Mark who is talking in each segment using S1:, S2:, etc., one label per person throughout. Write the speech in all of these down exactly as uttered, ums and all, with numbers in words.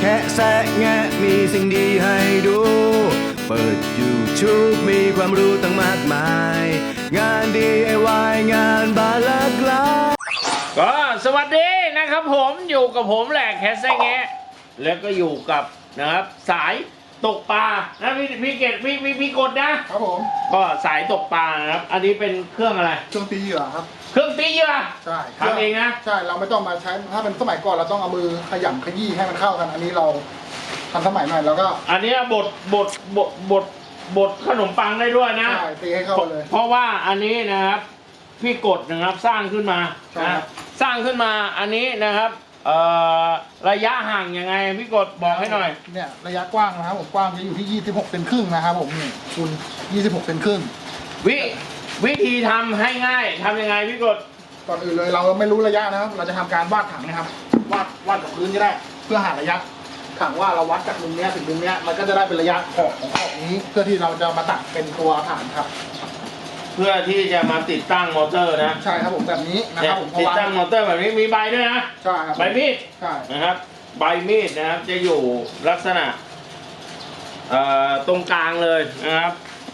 S1: ค่แซะแงะมีสิ่งดีให้ดู เปิด YouTube มีความรู้ตั้งมากมาย งาน ดี ไอ วาย งานบานหลากหลาย
S2: ก็สวัสดีนะครับผมอยู่กับผมแหละแคสแซะแงะแล้วก็อยู่กับนะครับสายตกปลานะพี่พี่เกดพี่พี่พี่กดนะครับผมก็สายตกปลานะครับอันนี้เป็นเครื่องอะไร
S3: เครื่องตีเหยื่อครับ
S2: เครื่องตีเหยื่อ
S3: ใช่
S2: ทำเองนะ
S3: ใช่เราไม่ต้องมาใช้ถ้าเป็นสมัยก่อนเราต้องเอามือขยำขยี้ให้มันเข้ากันอันนี้เราทำสมัยใหม่แล้วก็
S2: อันนี้บดบดบดบดบดขนมปังได้ด้วยนะ
S3: ใช่ตีให้เข้าเลย
S2: เพราะว่าอันนี้นะครับพี่กดนะครับสร้างขึ้นมานะสร้างขึ้นมาอันนี้นะครับเอ่อระยะห่างยังไงพี่กดบอกให้หน่อย
S3: เนี่ยระยะกว้างนะครับผมกว้างจะอยู่ที่ยี่สิบหกเซนครึ่งนะครับผมนี่คุณยี่สิบหกเซนครึ่ง
S2: วิวิธีทำให้ง่ายทำยังไงพี่กด
S3: ก่อนอื่นเลยเราไม่รู้ระยะนะครับเราจะทำการวาดถังนะครับวาดวาดกับพื้นก็ได้เพื่อหาระยะถังว่าเราวัดจากมุมนี้ถึงมุมนี้มันก็จะได้เป็นระยะขอบของขอบนี้เพื่อที่เราจะมาตัดเป็นตัวฐานครับ
S2: เพื่อที่จะมาติดตั้งมอเตอร์นะ
S3: ใช่ครับผมแบบนี้นะครับผม
S2: ติดตั้งมอเตอร์แบบนี้มีใบด้วยนะ
S3: ใช่ครับ
S2: ใบมีด
S3: ใช่
S2: นะครับใบมีดนะครับจะอยู่ลักษณะเอ่อตรงกลางเลยนะครับ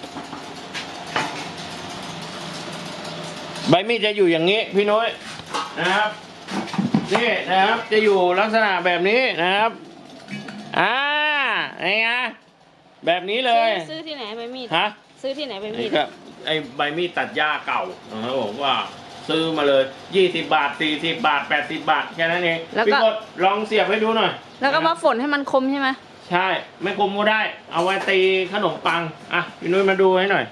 S2: ใบมีดจะอยู่อย่างนี้พี่น้อยนะครับนี่นะครับจะอยู่ลักษณะแบบนี้นะครับอ่าไงไงแบบนี้เลย
S4: ซื้อที่ไหนใบมีด
S2: ฮะ
S4: ซื้อที่ไหนใบมีด
S2: ไอ้ใบมีดตัดหญ้าเก่านะครับผมว่าซื้อมาเลยยี่สิบบาทสี่สิบบาทแปดสิบบาทแค่นั้นเองพี่กดลองเสียบให้ดูหน่อย
S4: แล้วก็มาฝนให้มันคมใช่ไหม
S2: ใช่ไม่คมก็ได้เอาไว้ตีขนมปังอ่ะพี่นุ้ยมาดูให้หน่อย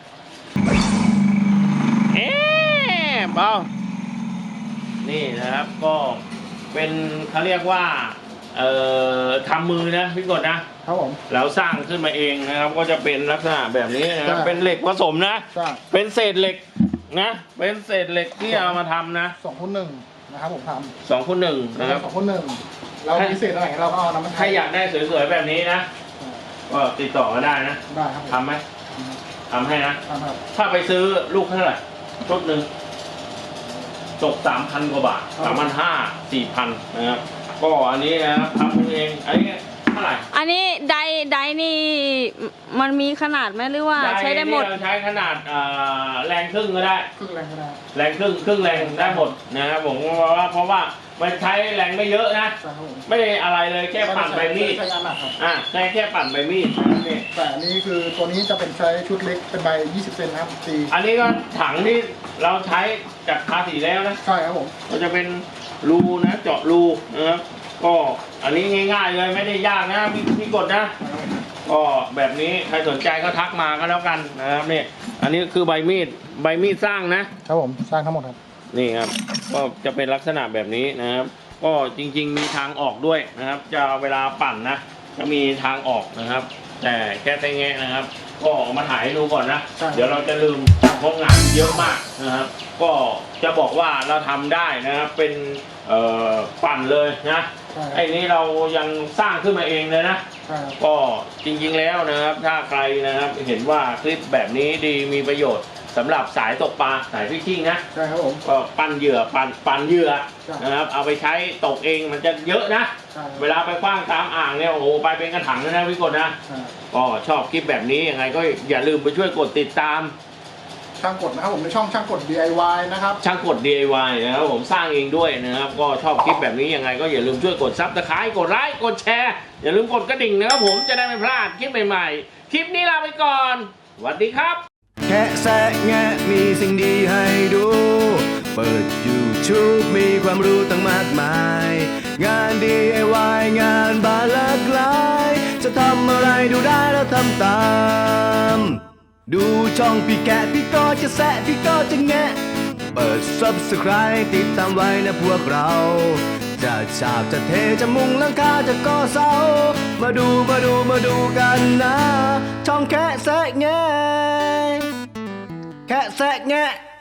S2: เอ๊ะเบานี่นะครับก็เป็นเขาเรียกว่าเอ่อทำมือนะพี่กดนะครับผมแล้วสร้างขึ้นมาเองนะครับก็จะเป็นลักษณะแบบนี้นะครับเป็นเหล็กผสมนะเป็นเศษเหล็กนะเป็นเศษเหล็กที่เอามาทำนะ
S3: สองคูณหนึ่งนะครับผมทำ
S2: สองคูณหนึ่งนะครับ
S3: สองคูณหนึ่งเราพิเศษอะไรเราก็เอาน้ำมัน
S2: ถ้าอยากได้สวยๆแบบนี้นะก็ติดต่อมาได้นะ
S3: ได้ครับ
S2: ทำไหมทำให้นะ
S3: ทำครับ
S2: ถ้าไปซื้อลูกเท่าไหร่ชุดหนึ่งตกสามพันกว่าบาทสามพันห้าสี่พันนะครับก็อันนี้นะครับทำเองอันนี้เท่าไหร่
S4: อันนี้ไดไดนี่มันมีขนาดไหมหรือว่าใช้ได้หมด
S2: ใช้ขนาดแรงครึ่งก็ได้
S3: ครึ่งแรงก็ได้
S2: แรงครึ่งครึ่งแรงได้หมดนะครับผมเพราะว่าเพราะว่ามันใช้แรงไม่เยอะนะไม่ได้อะไรเลยแค่ปั่นใบมีดอ่ะใช้แค่ปั่นใบมีดนี่
S3: แต่อันนี้คือตัวนี้จะเป็นใช้ชุดเล็กเป็นใบยี่สิบเซนนะครับตี
S2: อันนี้ก็ถังที่เราใช้จากทาสีแล้วนะ
S3: ใช่ครับผม
S2: ก็จะเป็นรูนะเจาะรูนะครับก็อันนี้ง่ายๆเลยไม่ได้ยากนะพี่พี่กดนะก็แบบนี้ใครสนใจก็ทักมาก็แล้วกันนะครับนี่อันนี้คือใบมีดใบมีดสร้างนะครับ
S3: ผมสร้างทั้งหมดครับ
S2: นี่ครับก็จะเป็นลักษณะแบบนี้นะครับก็จริงๆมีทางออกด้วยนะครับจะเวลาปั่นนะจะมีทางออกนะครับแต่แค่แต่แง่นะครับก็มาถ่ายให้ดูก่อนนะเดี๋ยวเราจะลืมเพราะงานเยอะมากนะครับก็จะบอกว่าเราทำได้นะครับเป็นปั่นเลยนะไอ้นี้เรายังสร้างขึ้นมาเองเลยนะก็จริงๆแล้วนะครับถ้าใครนะครับเห็นว่าคลิปแบบนี้ดีมีประโยชน์สำหรับสายตกปลาสายฟิชชิ่งนะ
S3: ใช่ครับผม
S2: ก็ปั้นเหยื่อปั้นปั้นเหยื่อนะครับเอาไปใช้ตกเองมันจะเยอะนะเวลาไปคว้างตามอ่างเนี่ยโอ้โหไปเป็นกระถางเลยนะพี่กดนะก็ชอบคลิปแบบนี้ยังไงก็อย่าลืมไปช่วยกดติดตาม
S3: ช่างกดนะครับผมในช่องช่างกด ดี ไอ วาย นะครับ
S2: ช่างกด ดี ไอ วาย นะครับผมสร้างเองด้วยนะครับก็ชอบคลิปแบบนี้ยังไงก็อย่าลืมช่วยกดซับสไครต์กดไลค์กดแชร์อย่าลืมกดกระดิ่งนะครับผมจะได้ไม่พลาดคลิปใหม่ๆคลิปนี้ลาไปก่อนสวัสดีครับ
S1: แค่แซะแงะมีสิ่งดีให้ดู เปิด YouTube มีความรู้ตั้งมากมาย งาน ดี ไอ วาย งานบานหลากหลายจะทำอะไรดูได้แล้วทำตามดูช่องพี่แกะพี่ก็จะแซะพี่ก็จะแงะเปิด ซับสไครบ์ ติดตามไว้นะพวกเราจะฉาบจะเทจะมุงหลังคาจะก่อเสามาดูมาดูมาดูกันนะช่องแค่แซะแงะแค่แซะแงะ